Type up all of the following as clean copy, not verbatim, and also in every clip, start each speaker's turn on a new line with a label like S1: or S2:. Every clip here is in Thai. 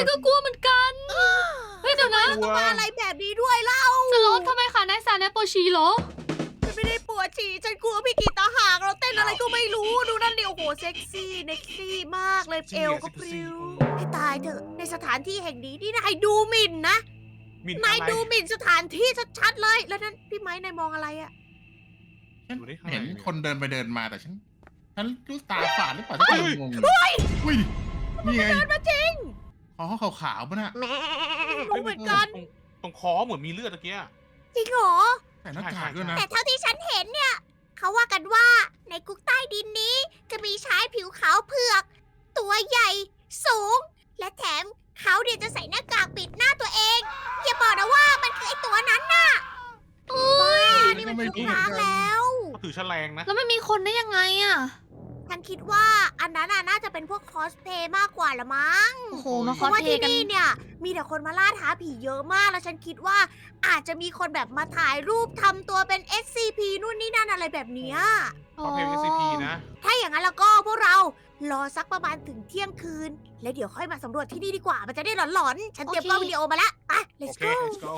S1: ก็กลัวเหมือนกันเฮ้ยเดี๋ยวนะ
S2: ต้องมาอะไรแบบนี้ด้วยเล่า
S1: สล็อตทำไมขานายสารนายปวดฉี่เหรอ
S2: ฉันไม่ได้ปวดฉี่ฉันกลัวพี่กีตาหากเราเต้นอะไรก็ไม่รู้ดูนั่นดิโอ้โหเซ็กซี่เน็กซี่มากเลยเอวก็พริ้วให้ตายเถอะในสถานที่แห่งนี้นี่นายดูหมิ่นนะ
S3: มิน
S2: นาย
S3: อะไร
S2: ดูหมิ่นสถานที่ชัดๆเลยแล้วนั่นพี่ไม้นายมองอะไรอะ
S4: ฉัน
S3: ดูดิข้างใน
S4: เห็น
S3: มี
S4: คนเดินไปเดินมาแต่ฉันรู้ตาฝาดหรือเปล่าฉันก็งงอุ้ยนี่ไง
S2: เดินมาจริง
S4: อ๋อขาวๆป่ะน่ะ
S2: แหมรู้เหมือนกัน
S3: ตรงคอเหมือนมีเลือดตะเกีย
S2: จริงเหรอ
S4: ใส่หน้ากากด้วยนะ
S2: แต่เท่าที่ฉันเห็นเนี่ยเขาว่ากันว่าในคุกใต้ดินนี้ จะมีชายผิวขาวเผือก ตัวใหญ่สูง และแถมเขาเนี่ยจะใส่หน้ากากปิดหน้าตัวเองอย่าบอกนะว่ามันคือไอตัวนั้นน่ะบ้านี่มันคุกร้างแล้ว
S3: เขาถือแฉลงนะ
S1: แล้วไม่มีคนได้ยังไงอะ
S2: ฉันคิดว่าอันนั้นน่าจะเป็นพวกคอสเพลย์มากกว่าละมั้ง
S1: โอ้โหมาค
S2: เพ
S1: อส
S2: ราะว่า
S1: เพล
S2: ที่
S1: ย์กัน
S2: นี่เนี่ยมีแต่คนมาล่าท้าผีเยอะมากแล้วฉันคิดว่าอาจจะมีคนแบบมาถ่ายรูปทำตัวเป็น SCP นู่นนี่นั่นอะไรแบบเนี้ย
S3: เขาเพลง SCP นะ
S2: ถ้าอย่างนั้นแล้วก็พวกเรารอสักประมาณถึงเที่ยงคืน แล้วเดี๋ยวค่อยมาสำรวจที่นี่ดีกว่า มันจะได้หลอนๆ ฉันเตรียมกล้องวิดีโอมาแล้วอ่ะ
S3: โอ
S2: let's
S3: เค
S2: go
S3: let's go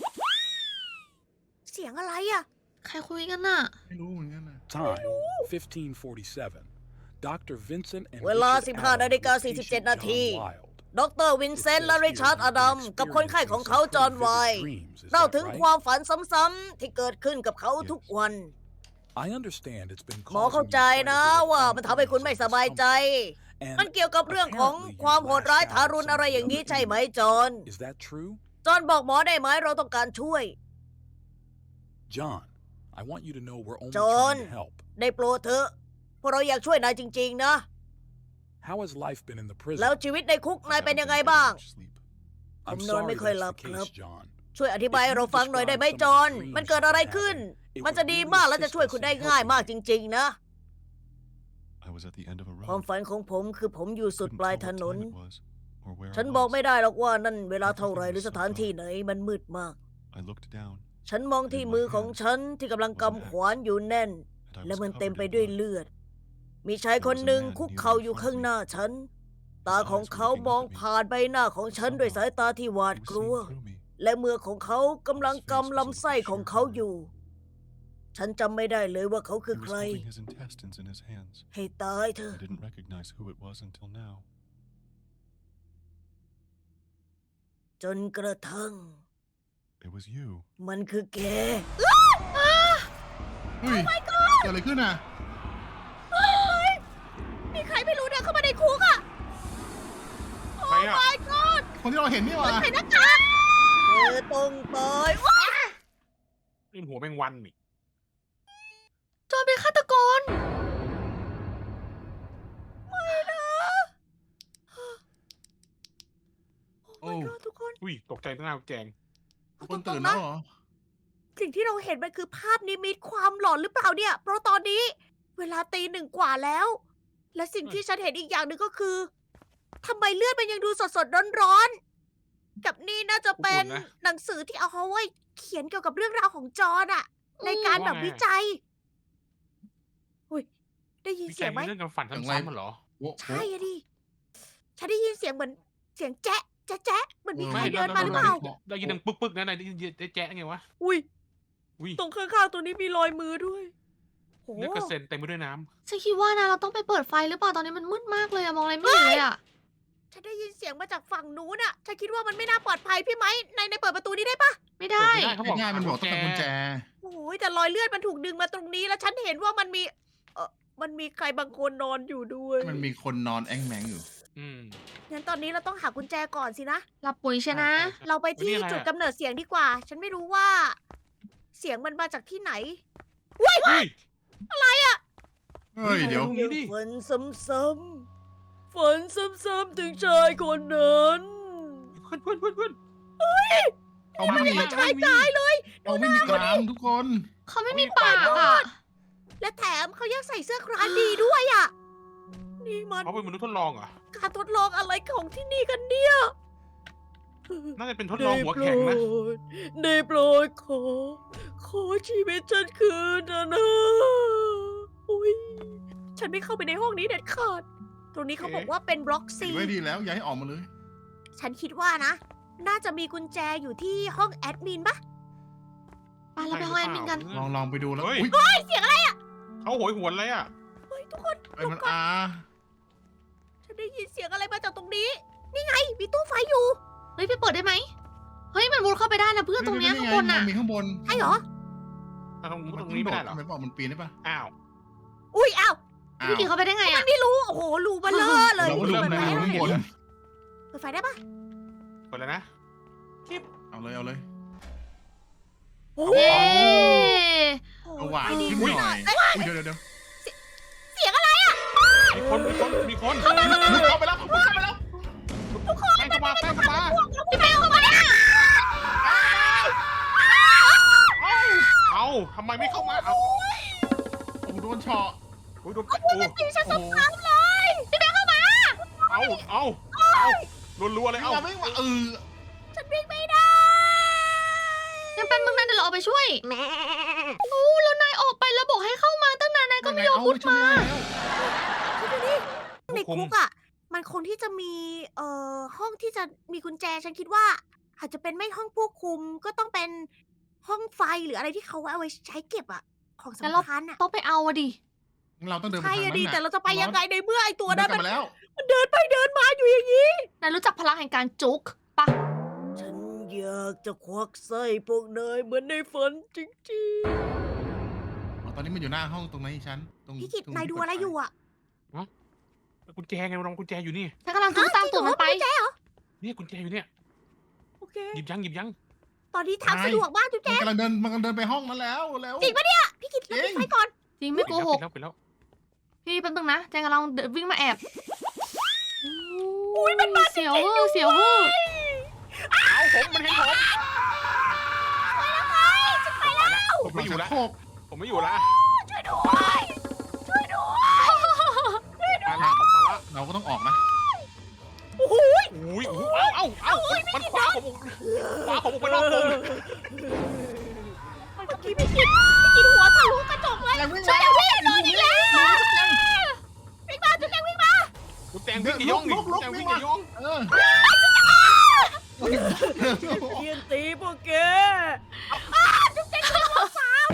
S2: เสียงอะไรอ่ะ
S1: ใครคุยกันน่ะ
S4: ไม่รู้เหมือนกันนะ
S5: Time 1547. Dr. Vincent and
S2: เวลา
S5: Richard
S2: 15 นาฬิกา
S5: Adam,
S2: 47 นาที
S5: John Wild.
S2: ดรวินเซนต์และริชาร์ดอดัมกับคนไข้ของเขาจอห์นไวท์เล่าถึงความฝันซ้ำๆที่เกิดขึ้นกับเขาทุกวัน
S5: I understand it's been
S2: หมอเข้าใจนะว่ามันทำให้คุณไม่สบายใจ มันเกี่ยวกับเรื่องของความโหดร้ายทารุณอะไรอย่างนี้ใช่ไหมจอห์น
S5: Is that true?
S2: จอห์นบอกหมอได้ไหมเราต้องการช่วย
S5: John, I want you to know we're only
S2: John.
S5: trying to help.
S2: ได้โปรดเถอะพวกเราอยากช่วยนายจริงๆนะ
S5: How has life been in the prison?
S2: แล้วชีวิตในคุกนายเป็นยังไงบ้าง
S5: I'm
S2: ผมนอน
S5: sorry
S2: ไม่ค่อย
S5: that's
S2: หลับ
S5: the
S2: ครับ
S5: case, John.
S2: ช่วยอธิบายให้เราฟังหน่อยได้ไหมจอห์นมันเกิดอะไรขึ้น มันจะดีมากและจะช่วยคุณได้ง่ายมากจริงๆนะ ความฝันของผมคือผมอยู่สุดปลายถนน ฉันบอกไม่ได้หรอกว่านั่นเวลาเท่าไรหรือสถานที่ไหนมันมืดมาก ฉันมองที่มือของฉันที่กำลังกำขวานอยู่แน่น และมันเต็มไปด้วยเลือด มีชายคนหนึ่งคุกเข่าอยู่ข้างหน้าฉัน ตาของเขามองผ่านใบหน้าของฉันด้วยสายตาที่หวาดกลัว และมือของเขากำลังกำลำไส้ของเขาอยู่ ฉันจำไม่ได้เลยว่าเขาคือใคร ให้ตายเถอะ จนกระทั่ง มันคือแก
S4: เฮ้ยเกิดอะไรขึ้นอ่ะ
S2: มีใครไม่รู้เดินเข้ามาในคุกอ่ะ
S3: ใครอ่ะ
S2: my god
S4: คนที่เราเห็นนี่หว่า
S2: ใส่หน้ากากเธอต้องตายว้า
S3: นี่หัวแมงวันนี่
S1: จอห์นเป็นฆาตกร
S4: โอ้
S2: my god ทุกคน
S3: อุ้ยตกใจตั้งหน้าแจง
S4: ทุกคนตื่นแล้วเหรอ
S2: สิ่งที่เราเห็นมันคือภาพนิมิตความหลอนหรือเปล่าเนี่ย เพราะตอนนี้ เวลาตี 1 กว่าแล้ว และสิ่งที่ฉันเห็นอีกอย่างหนึ่งก็คือทำไมเลือดมันยังดูสดๆร้อนๆ กับนี่น่าจะเป็นหนังสือที่เอาไว้เขียนเกี่ยวกับเรื่องราวของจอห์นอะในการแบบวิจัยอุ้ยได้ยิน
S3: พี่แจ
S2: เสีย
S3: ง
S2: งไหม
S3: มีเรื่องการฝันซ้ำๆมันเหรอ
S4: โอ้โห
S2: ใช่อะดิ ฉันได้ยินเสียงเหมือนเสียงแจ๊ะแจ๊ะแจ๊ะเหมือนมีใคร
S3: ไม่
S2: เดินมาหรือเปล่า
S3: ได้ยินดังปึ๊กๆนะนายได้ยินแจ๊ะไงวะ
S2: อุ้ย
S3: อุ้ย
S2: ตรงข้างๆตัวนี้มีรอยมือด้วยโห
S3: เลือดกระเซ็นเต็มไปด้วยน้
S1: ฉันคิดว่านะเราต้องไปเปิดไฟหรือเปล่าตอนนี้มันมืดมากเลยอะมองอะไรไม่เห็นเลยอะ
S2: ฉันได้ยินเสียงมาจากฝั่งนู้นอะฉันคิดว่ามันไม่น่าปลอดภัยพี่ไหมในเปิดประตูนี้ได้ปะ
S1: ไม่
S3: ำ
S1: ได้
S3: เปิไม่เขาบอก
S4: ง่ายๆมันบอกต้องเป็นกุญแจ
S2: โอ้ยแต่รอยเลือดมันถูกดึงมาตรงนี้ แล้วฉันเห็นว่ามันมีมันมีใครบางคนนอนอยู่ด้วย
S4: มันมีคนนอนแอ่งแมงอยู่
S3: อืม
S2: งั้นตอนนี้เราต้องหากุญแจก่อนสินะ
S1: หลับปุ๋ยใช่นะ
S2: เราไปที่
S3: นี่อะไรอะ
S2: จุดกำเนิดเสียงดีกว่า ฉันไม่รู้ว่า เสียงมันมาจากที่ไหน
S3: เฮ้ย
S4: เฮ้ย เดี๋ยว
S3: นี่ดิ
S2: ฝันซ้ำๆฝันซ้ำๆถึงชายคนนั้น
S3: เพื่อน
S4: เขาไม่มี
S2: ชายตายเลย
S4: เขาไม่มีกรามทุกคน
S1: เขาไม่มีปากอะ
S2: และแถมเขายังใส่เสื้อครานดีด้วยอ่ะ นี่มัน
S3: เขาเป็นมนุษย์ทดลองเหรอ
S2: การทดลองอะไรของที่นี่กันเนี่ย
S3: น่าจะเป็นทดลองหัวแข็งนะ
S2: ได้โปรดขอชีวิตฉันคืนนะอุ้ยฉันไม่เข้าไปในห้องนี้เด็ดขาด ตรงนี้เขาบอกว่าเป็นบล็อกซี
S4: ไม่ดีแล้ว อย่าให้ออกมาเลย
S2: ฉันคิดว่านะ น่าจะมีกุญแจอยู่ที่ห้องแอดมินปะ
S1: ไปเราไปห้องแอดมินกัน
S4: ลองไปดูแล้ว
S3: เฮ้ย
S4: อุ้ย
S2: เสียงอะไร
S3: เขาโหยหวนเลยอ่ะ
S2: เฮ้ยทุกคน
S4: เอ้ยมันอา
S2: ฉันได้ยินเสียงอะไรมาจากตรงนี้ นี่ไง มีตู้ไฟอยู่
S1: เฮ้ยไปเปิดได้ไหมเฮ้ยมันมุดเข้าไปได้นะเพื่อนตรงเนี้ยข้างบน
S4: มั
S1: น่ะ
S4: มีข้างบน
S2: ใช่เหรอ
S3: ตรงนี้ไม่ได้เหรอ
S4: มันบอกมันปีนได้ปะ
S3: อ้าว
S2: อุ้ยอ้าว
S4: อ้า
S1: พี่
S4: ว
S1: กินเข้าไปได้ไง
S2: มั
S1: อ่ะ
S2: นไม่รู้ โอ้โห รูเบลอเลย
S4: เราก็ดู
S2: เปิด
S4: ใน
S2: ไฟ
S4: รู
S2: ได้
S4: ข้างบน
S2: เปิดไฟได้ปะ
S3: เปิดแล้วนะ
S4: เอาเลย
S2: โอ้
S1: เย้
S4: เอาหวาน
S2: ไฟดี
S4: ขึ้นหน่อยอุ้ยเดี๋ยว
S2: เสียงอะไรอะ
S3: มีคน
S4: มุดเข้าไปแล้วมุดเข้าไปแล้ว
S3: แป้งเข้ามาแป้งเข้ามา
S2: พี่แป้งเข้ามาเนี่ย
S3: เอาทำไมไม่เข้ามาเอา
S4: โอ้โหโดนเฉาะ
S3: โอ้ยโดนแป้งโอ้
S2: ตีฉัน
S4: โอ้
S2: สัก
S4: โห
S2: ครั้งเลย พี่แป้งเข้ามา
S3: เอารัวๆเลย
S4: วิ่ง
S3: เอา
S4: มาวิ่งมา
S2: ฉันวิ่งไม่ได้
S1: งั้นแป๊บนึงนะเดี๋ยวเราเอาไปช่วยโอ้แล้วนายออกไปแล้วบอกให้เข้ามาตั้งนานนายก็ไม่ยอมมุดมา
S2: ในคุกอ่ะ มันคงที่จะมีห้องที่จะมีกุญแจ ฉันคิดว่า อาจจะเป็นไม่ห้องควบคุมก็ต้องเป็นห้องไฟหรืออะไรที่เขาเอาไว้ใช้เก็บอ่ะ ของ
S1: งั้นเรา
S2: สำคัญอ่ะ
S1: ต้องไปเอาอะดิ
S4: เราต้องเดินไป
S2: ใช่
S4: ทาง
S2: อะ
S4: นั้น
S2: ดี
S4: น่ะ
S2: แต่เราจะไปยังไงในเมื่อไอตัว
S4: เดิ
S2: นั้น น
S4: กลับ
S2: มัน
S4: มาแล้ว
S2: มันเดินไปเดินมาอยู่อย่างนี้
S1: นายรู้จักพลังแห่งการจุกปะ
S2: ฉันอยากจะควักไส้พวกนายเหมือนในฝันจริง
S4: อ๋อตอนนี้มันอยู่หน้าห้องตรงนั้นฉันตรง
S2: ๆ พี่กิต
S4: ตรง
S2: นายดูอะไรอยู่อ่ะ
S3: กุญแจไงลองกุญแจอยู่นี่
S1: ฉันกำลังจุกตามตูดมันไป
S3: เนี่ยกุญแจอยู่เนี่ย
S2: โอเค
S3: หยิบยัง
S2: ตอนนี้ทางสะดวกมากจุ๊บแจ๊
S4: มันกำลังเดินไปห้องนั้นแล้วแล้ว
S2: จริงปะเนี่ย พี่กิตเราปิดไฟก่อน
S1: จริงไม่โกหก
S3: ปิดแล้ว
S1: พี่แป๊บนึงนะแจงกำลังวิ่งมาแอบอุ้ยมันมาเสียวเวอร์เสียวเวอร์
S3: เอามันเห็นผมผมไม่อยู่
S4: ชัก
S3: ละ
S4: โครก
S3: ผมไม่อยู่ละ
S2: ช่วยด้วยช่วยด้วย
S3: มาละผมมาละ
S4: เราก็ต้องออกนะ
S2: โอ้โห
S3: อุ้ยเอามันขวาผมออกไปนอกวง
S2: เมื่อกี้พี่กิตหัวทะลุกระจกเลยช่วยเดี๋ยวพี่โดนอีกแล้ววิ่งมาจุ๊บแจ๊วิ่งมา
S3: กุญแจวิ่งกี่ย่องนี่กุญแจวิ่งกี่ย่อง
S4: เออ
S2: เทียนตีพวกแกจุ๊บแจ๊โดนหัวสาว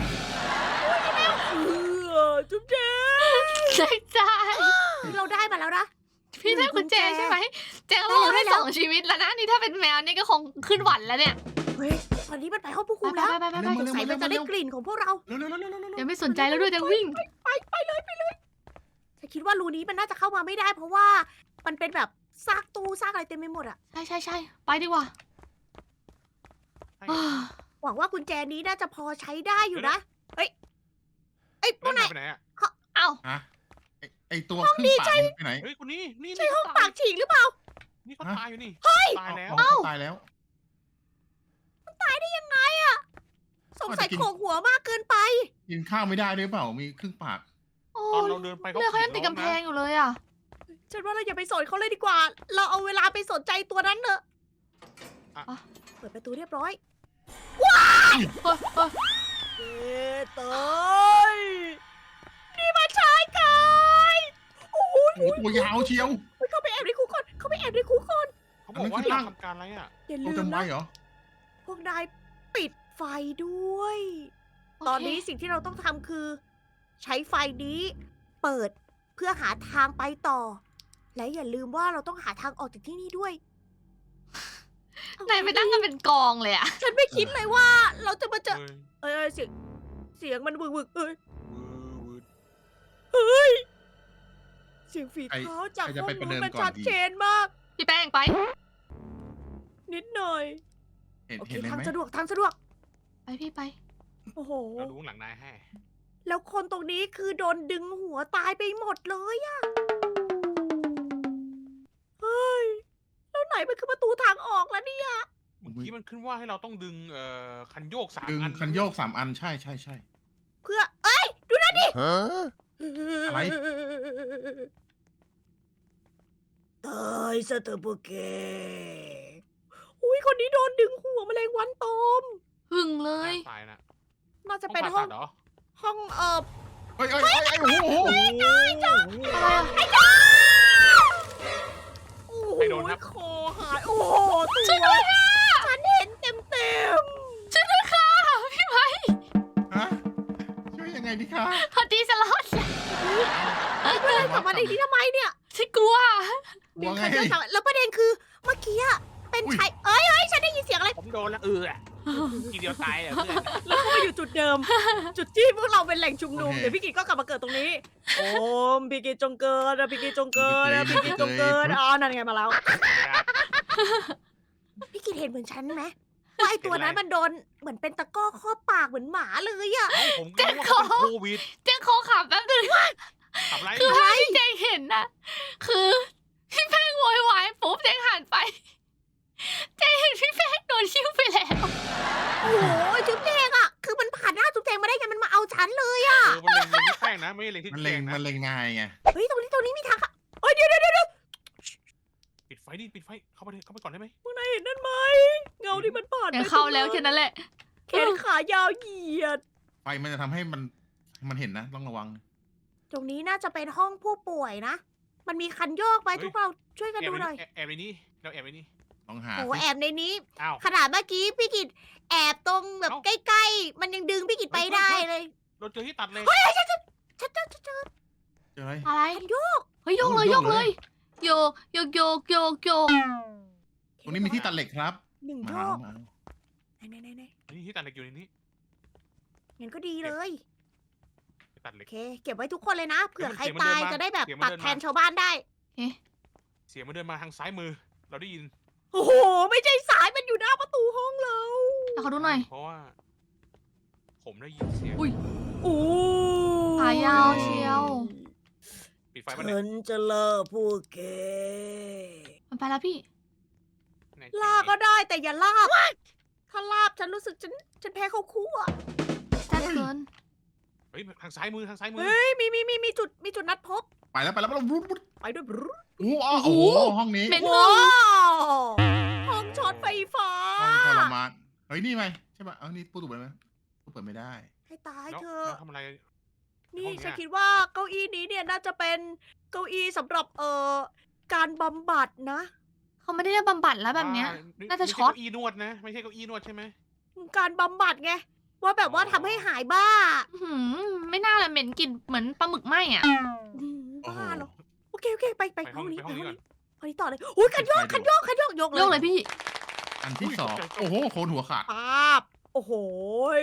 S2: จุ๊บแจ๊
S1: ใช่ใช่
S2: เราได้มาแล้วนะ
S1: พี่ได้กุญแจใช่ไหมแจงเราได้2 ชีวิตแล้วนะนี่ถ้าเป็นแมวนี่ก็คงขึ้นหวันแล้วเนี่ย
S2: เฮ้ยตอนนี้มันไปห้องผู้คุม
S1: ไป
S2: แล้ว
S1: ไปไปไป
S2: สงสัยมันจะได้กลิ่นของพวกเรา
S4: เร็ว
S1: ยังไม่สนใจแล้วด้วยจะวิ่ง
S2: ไปเลยฉันคิดว่ารูนี้มันน่าจะเข้ามาไม่ได้ เพราะว่ามันเป็นแบบซากตู้ซากอะไรเต็มไปหมดอะ
S1: ใช่ไปดีกว่า
S2: หวังว่ากุญแจนี้น่าจะพอใช้ได้อยู่นะ เฮ้ยพวก
S3: นั่น
S2: นาย
S3: ไปไหนอ่ะ
S1: เอ้า
S4: ฮะไอตัวขึ้นปากไปไหน
S3: เฮ้ยคนนี้นี่
S2: ใช่ห้องปากฉีกหรือเปล่า
S3: นี่เขาตายอยู่นี่ตายแล้ว
S4: ตายแล้ว
S2: สงสัยโขกหัวมากเกินไป
S4: กินข้าวไม่ได้ด้วยเปล่ามีครึ่งปาก
S1: โอ้
S3: ตอน
S1: ย
S3: เราเดินไป
S1: เลือดเขายังติดกำแพงอยู่เลยอ่ะ
S2: ฉันว่าเราอย่าไปสนเขาเลยดีกว่า เราเอาเวลาไปสนใจตัวนั้นเถอะเปิดประตูเรียบร้อย
S1: เฮ้ย
S2: ตายนี่มาชายกายโอ้โห
S4: โอ้ตัวยาวเชียว
S2: เข้าไปแอบในคุกก่อนเข้าไปแอบในคุกก่อน
S3: เขาบอกว่าเราทำการอะไรอ่ะ
S2: อย่า
S4: ตั
S2: ลื
S4: ว
S2: ม
S4: จำไว้
S2: นะ
S4: เหรอ
S2: พวกนายปิดไฟด้วย ตอนนี้สิ่งที่เราต้องทำคือ ใช้ไฟนี้เปิดเพื่อหาทางไปต่อ และอย่าลืมว่าเราต้องหาทางออกจากที่นี่ด้วย
S1: นายไปนั่งกันเป็นกองเลยอ่ะ
S2: ฉันไม่คิดเลยว่าเราจะมาเจอเสียงมันวึกเฮ้ยเสียงฝีเท้าจากห้องนู้นมันชัดเจนมาก
S1: พี่แป้งไป
S2: นิดหน่อย
S4: เห็น
S2: โอเค
S4: เห็นเลย
S2: ทาง
S4: ไหม
S2: สะดวกทางสะดวก
S1: ไปพี่ไป
S2: โอ้โห
S3: เราดูหลังนายให้
S2: แล้วคนตรงนี้คือโดนดึงหัวตายไปหมดเลยอะเฮ้ย แล้วไหนมันคือประตูทางออกแล้วเนี่ย
S3: เมื่อกี้มันขึ้นว่าให้เราต้องดึงคันโยก3
S4: ดึง
S3: อัน
S4: คันโยก3 อันใช่
S2: เพื่อ เอ้ย ดูนั่นดิ
S4: อะไร
S2: ตายซะเถอะพวกแก อุ้ยคนนี้โดนดึงหัวแมลงวันตอม
S1: หึงเลย
S3: ตายนะ
S2: น่าจะเป็นห้อง
S3: เหรอ
S2: ห้อง
S4: เฮ้ยโอ้โห
S1: อะไรอ่ะ
S2: โอ้โหคอหายโอ้โหตัวฉันเห็นเต็ม
S1: ช่วยด้วยค่ะพี่ไม้
S4: ฮะช่วยยังไงดีคะ
S1: พอดีจะรอด
S2: ๆไม่ได้กลับมาในนี้ทำไมเนี่ย
S1: ฉันกลัว
S2: มี
S4: ว่าไง
S2: ใครเจอสาวแล้วประเด็นคือเมื่อกี้อะเป็น
S4: อุ๊ย
S2: ชายฉันได้ยินเสียงอะไร
S3: ผมโดนแล้วทีเดียวตายอ่ะเพื่อน
S2: แล้วก็มาอยู่จุดเดิม จุดที่พวกเราเป็นแหล่งชุมนุม
S4: โอเค
S2: เดี๋ยวพี่กิจก็กลับมาเกิดตรงนี้โอมพี่กิจจงเกิดนะพี่กิจจงเกิดนะพี่กิจจงเกิดนั่นไงมาแล้ว พี่กิจเห็นเหมือนฉันไหมว่าไอตัวนั้นมันโดนเหมือนเป็นตะกร้อครอบปากเหมือนหมาเลยอะ
S3: ผมก็รู้ว่าเขาเป็นโควิด
S1: เจ๊ขอขับแป๊บนึง
S3: ทำไร
S1: คือภาพที่เจ๊เห็นนะคือพี่แป้งโวยวายปุ๊บเจ๊หันไปเจ๊เห็นพี่แป้งโดนชิ้วไปแล้ว
S2: โอ้โหจุ๊บแจงอะคือมันผ่านหน้าจุ๊บแจงมาได้ไงมันมาเอาฉันเลยอะ
S3: มันเล็งที่แป้งนะไม่ใช่เล็งที่
S4: มัน
S3: แจ
S4: เล็ง
S3: งนะ
S4: มันเล็งนายไง
S2: เฮ้ยตรงนี้มีทางค่ะเฮ้ยเดี๋ยว
S3: ปิดไฟดิปิดไฟเข้าไปก่อนได้ไหม
S2: พวกนายเห็นนั่นไหมเงาที่มันผ่าน
S1: เดี๋ยวเข้าแล้วแค่นั้นแหละ
S2: แขนขายาวเหยียด
S4: ไฟมันจะทำให้มันเห็นนะต้องระวัง
S2: ตรงนี้น่าจะเป็นห้องผู้ป่วยนะ มันมีคันโยกไปทุกเราช่วยกันดูหน่อย
S3: แอบในนี้เราแอบในนี้
S4: ต้องหา
S2: โอ้
S4: สิ
S2: แอบในนี้
S3: อ้าว
S2: ขนาดเมื่อกี้พี่กิจแอบตรงแบบ
S3: เอ้า
S2: ใกล้ๆ มันยังดึงพี่กิจไปได้เลย
S3: เราเจอที่ตัดเลย
S2: ฉันเจอ
S4: เจออะไร
S1: อะไร
S2: คันโยก
S1: เฮ้ยโยกเลย
S4: โย
S1: โย
S4: ก
S1: ก
S4: เล
S1: เลย ยโยกโยกโยกโยกโยก
S4: ตรงนี้มีที่ตัดเหล็กครับ
S2: หนึ่ง
S4: มา
S2: โย
S4: เอา
S2: ก
S4: มาเอา
S2: ไหน
S3: นี่ที่ตัดเหล็กอยู่ในนี้
S2: งั้นก็ดีเลย
S3: ไปตัดเหล็
S2: โอก เค เก็บไว้ทุกคนเลยนะ เผื่อใคร
S3: เสียงมัน
S2: ตาย
S3: เดินมา
S2: จะได้แบบ
S3: เสียงมัน
S2: ตัด
S3: เดิน
S2: แท
S3: มา
S2: นชาวบ้านได้
S3: เสียงมันเดินมาทางซ้ายมือ เราได้ยิน
S2: โอ้โห ไม่ใช่สายมันอยู่หน้าประตูห้องเรา
S1: แล้วเขาดูหน่อย
S3: เพราะว่า ผมได้ยินเสียง
S1: อุ๊ย
S2: โอ้
S1: ขายาวเชียว
S3: ปิดไฟมาเนี่
S2: ฉั
S3: ย
S2: นจะล่าพวกแก
S1: มันไปแล้วพี่
S2: ล่าก็ได้แต่อย่าลาบ ถ้าลาบฉันรู้สึกฉันแพ้เขาคู่อะ
S1: แซ่บเกิน
S3: เฮ้ยทางซ้ายมือทางซ้ายมือ
S2: เฮ้ยมีจุดนัดพบ
S4: ไปแล้ววุ้บ
S2: ไปด้วยบรู
S4: โอ้โหห้องนี้
S1: เหม็น
S2: ว้าวห้องช็อตไฟฟ้า
S4: ห้องทรมานเฮ้ยนี่ไหมใช่ป่ะเอานี่ตู้เปิดไหมตู้เปิดไม่ได้
S2: ให้ตาย
S3: แล้ว
S2: เธ
S3: แล้
S2: อะ
S3: วทำอะไร
S2: นี่
S3: ห้องเนี้ย
S2: ฉันคิดว่าเก้าอี้นี้เนี่ยน่าจะเป็นเก้าอี้สำหรับการบำบัดนะ
S1: เขาไม่ได้เรียกบำบัดแล้วแบบเนี้ย น่าจะช็อต
S3: ไม่ใเก้าอี้นวดนะ ไม่ใช่เก้าอี้นวดใช่ไหม
S2: การบำบัดไง ว่าแบบว่าทำให้หายบ้า
S1: อื้อหือไม่น่าเลยเหม็นกลิ่นเหมือนปลาหมึกไหม้อ่ะ
S2: บ้าเหรอโอเคไปห้องนี้
S3: ไปห้องนี้ก่อน
S2: ห้องนี้ต่อเลยอุ้ยคันโยกยก
S1: โยกเลยพี่
S4: อันที่สองโอ้โหโคนหัวขาด
S2: ปาบโอ้โหย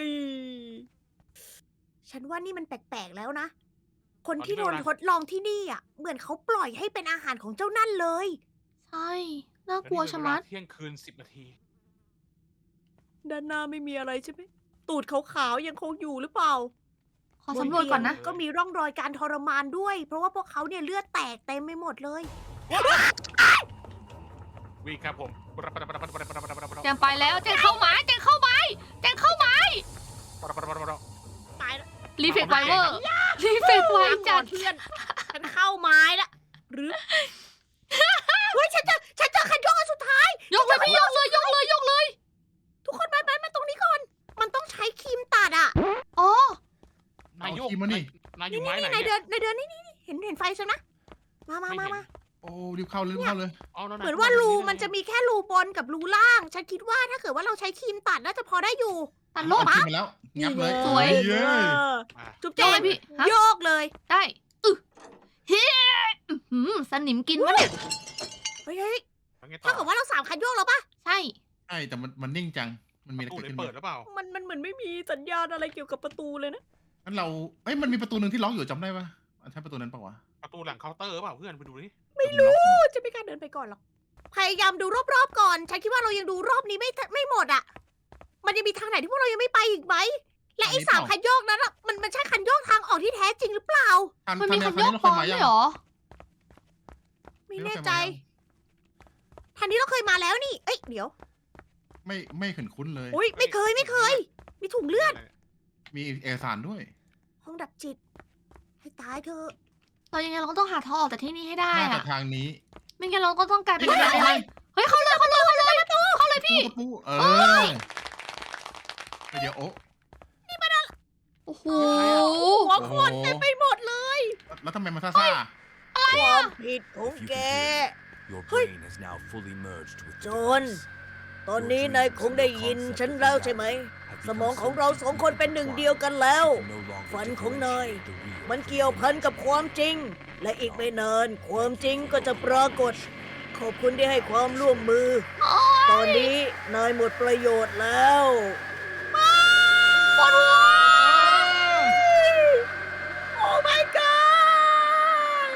S2: ฉันว่านี่มันแปลกๆแล้วนะ คนที่โดนทดลองที่นี่อ่ะ เหมือนเขาปล่อยให้เป็นอาหารของเจ้านั่นเลย
S1: ใช่ น่ากลัวชะมัด
S3: เที่ยงคืน10 นาที
S2: ด้านหน้าไม่มีอะไรใช่ไหมตูดขาวๆยังคงอยู่หรือเปล่า
S1: ขอสำรวจก่อนนะ
S2: ก็มีร่องรอยการทรมานด้วย เพราะว่าพวกเขาเนี่ยเลือดแตกเต็มไปหมดเลย
S3: วิ่งครับผม
S1: แจงไปแล้วแจงเข้าไม้แจงเข้าไม้แจงเข้าไม้
S2: ตายแล้ว
S1: รีเฟกไวเวอร์รีเฟกไว
S2: วางก่
S1: จั
S2: อ
S1: ด
S2: นเพื่อน ฉันเข้าไม้ละหรือ เฮ้ยฉันเจอคันโยกอันสุดท้าย
S1: ยกเลยพี่ยกเลยยกเลยยกเลย
S2: ทุกคนมาตรงนี้ก่อน มันต้องใช้ครีมตัดอ่ะ
S1: อ๋อ
S3: นายโยก
S4: เอาขี้มานี่
S3: นายอยู่ไม้ไหน
S2: ใน
S3: เนี่ย
S2: เดือนนี่เห็นไฟใช่ไหมมา
S3: ไม่เห็น
S4: โอ้รีบเข้าเลย
S3: อ๋อแล้ว
S2: เหมือนว่ารูมันจะมีแค่รูบนกับรูล่าง ฉันคิดว่าถ้าเกิดว่าเราใช้ครีมตัดน่าจะพอได้อยู่
S1: ตัดโล
S4: เอา
S1: ด
S4: ขึ้นมาแล้วงับเลย
S1: สวย
S4: เย้ย
S2: จุ๊บ
S1: โย
S2: เจ๊
S1: กเลยพี่ฮะ
S2: โยกเลย
S1: ได้เฮ้อื้อหือสนิมกินวะเนี่ย
S2: เฮ้ย
S3: แล้วไงต่
S2: ถ้า
S3: อ
S2: เกิดว่าเรา3 คันโยกแล้วปะ
S1: ใช่
S4: ใช่แต่มันนิ่งจังมันมีอะไร
S3: ตู้
S4: เกิด
S3: เลย
S4: ขึ้น
S3: เปิดหรือเปล่า
S2: มันเหมือนไม่มีสัญญาณอะไรเกี่ยวกับประตูเลยนะ
S4: งั้นเราเอ้ยมันมีประตูหนึ่งที่ล็อกอยู่จำได้ปะใช่ประตูนั้นปะวะ
S3: ประตูหลังเคาน์เตอร์เปล่าเพื่อนไปดูดิ
S4: ไม่รู้
S2: จะไม่กล้าเดินไปก่อนหรอก พยายามดูรอบๆก่อน ฉันคิดว่าเรายังดูรอบนี้ไม่หมดอ่ะ มันยังมีทางไหนที่พวกเรายังไม่ไปอีกไหม และไอ้3 คันโยกนั้นอะมันใช่คันโยกทางออกที่แท้จริงหรือเปล่า
S1: มันมีคันโยกปลอมด้วยเหรอ
S2: ไม่แน่ใจ ทางนี้เราเคยมาแล้วนี่ เอ้ยเดี๋ยว
S4: ไม่เห็นคุ้นเลย
S2: อุ้ยไม่เคย มีถุงเลือด
S4: มีเอกสารด้วย
S2: ห้องดับจิต ให้ตายเถอะ
S1: เรายังไงเราก็ต้องหาทางออกจากที่นี่ให้ได้
S4: น่าจะ
S1: อะ
S4: ทางนี้
S1: ไม่งั้นเราก็ต้องกลายเป็น
S4: เฮ้ย
S1: อะไรเฮ้ยเข้าเลยพี่
S4: ปูเออเดี๋ยวโอ้
S1: โอ้โห
S2: หัวโคนเต็มไปหมดเลย
S4: แล้วทำไมมันซ่า
S2: ความผิดของแก
S6: Your
S2: Hey.
S6: brain has now fully merged with the
S2: จอห์น
S6: device.
S2: ตอนนี้นายคงได้ยินฉันแล้วใช่ไหม สมองของเราสองคนเป็นหนึ่งเดียวกันแล้ว ฝันของนายมันเกี่ยวพันกับความจริง และอีกไม่นานความจริงก็จะปรากฏ ขอบคุณที่ให้ความร่วมมือ ตอนนี้นายหมดประโยชน์แล้ว
S1: ปวดหัว
S2: โอ้ my god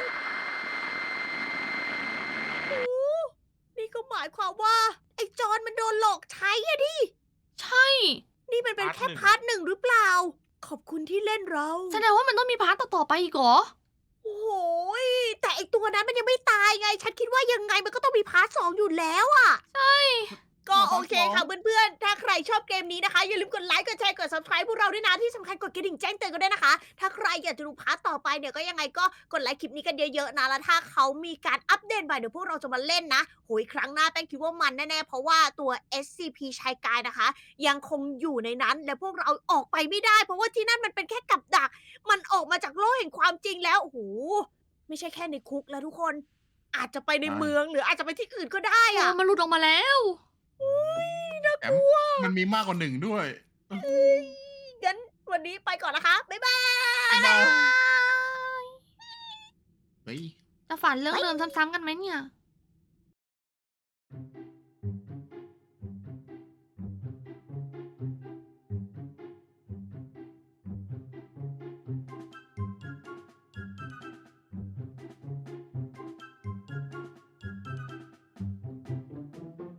S2: โอ้นี่ก็หมายความว่า ไอ้จอนมันโดนหลอกใช้อะดิ
S1: ใช่
S2: นี่มันเป็นแค่พาร์ทหนึ่งหรือเปล่า ขอบคุณที่เล่นเรา
S1: แสดงว่ามันต้องมีพาร์ทต่อๆไปอีกเหรอ
S2: โอ้โหยแต่ไอตัวนั้นมันยังไม่ตายไง ฉันคิดว่ายังไงมันก็ต้องมีพาร์ท2อยู่แล้วอะ
S1: ใช่
S2: ก็โอเคค่ะเพื่อนๆ ถ้าใครชอบเกมนี้นะคะ อย่าลืมกดไลค์ กดแชร์ กด subscribe พวกเราด้วยนะ ที่สำคัญกดกระดิ่งแจ้งเตือนกันด้วยนะคะ ถ้าใครอยากจะดูพาร์ทต่อไปเนี่ยก็ยังไงก็กดไลค์คลิปนี้กันเยอะๆนะ แล้วถ้าเขามีการอัปเดตใหม่เดี๋ยวพวกเราจะมาเล่นนะโหยครั้งหน้าแป้งคิดว่ามันแน่ๆ เพราะว่าตัว SCP ชายกายนะคะ ยังคงอยู่ในนั้น และพวกเราออกไปไม่ได้ เพราะว่าที่นั่นมันเป็นแค่กับดัก มันออกมาจากโลกแห่งความจริงแล้วโอ้โหไม่ใช่แค่ในคุกแล้วทุกคน อาจจะไปในเมืองหรืออาจจะไปที่อื่นก็ได้อะ
S1: มันหลุดออกมาแล้ว
S4: แถมมันมีมากกว่าหนึ่งด้วย
S2: งั้นวันนี้ไปก่อนนะคะ บ๊ายบาย
S4: บ๊ายบาย เฮ้ย
S1: จะฝันเรื่องเดิมซ้ำๆกันไหมเนี่ย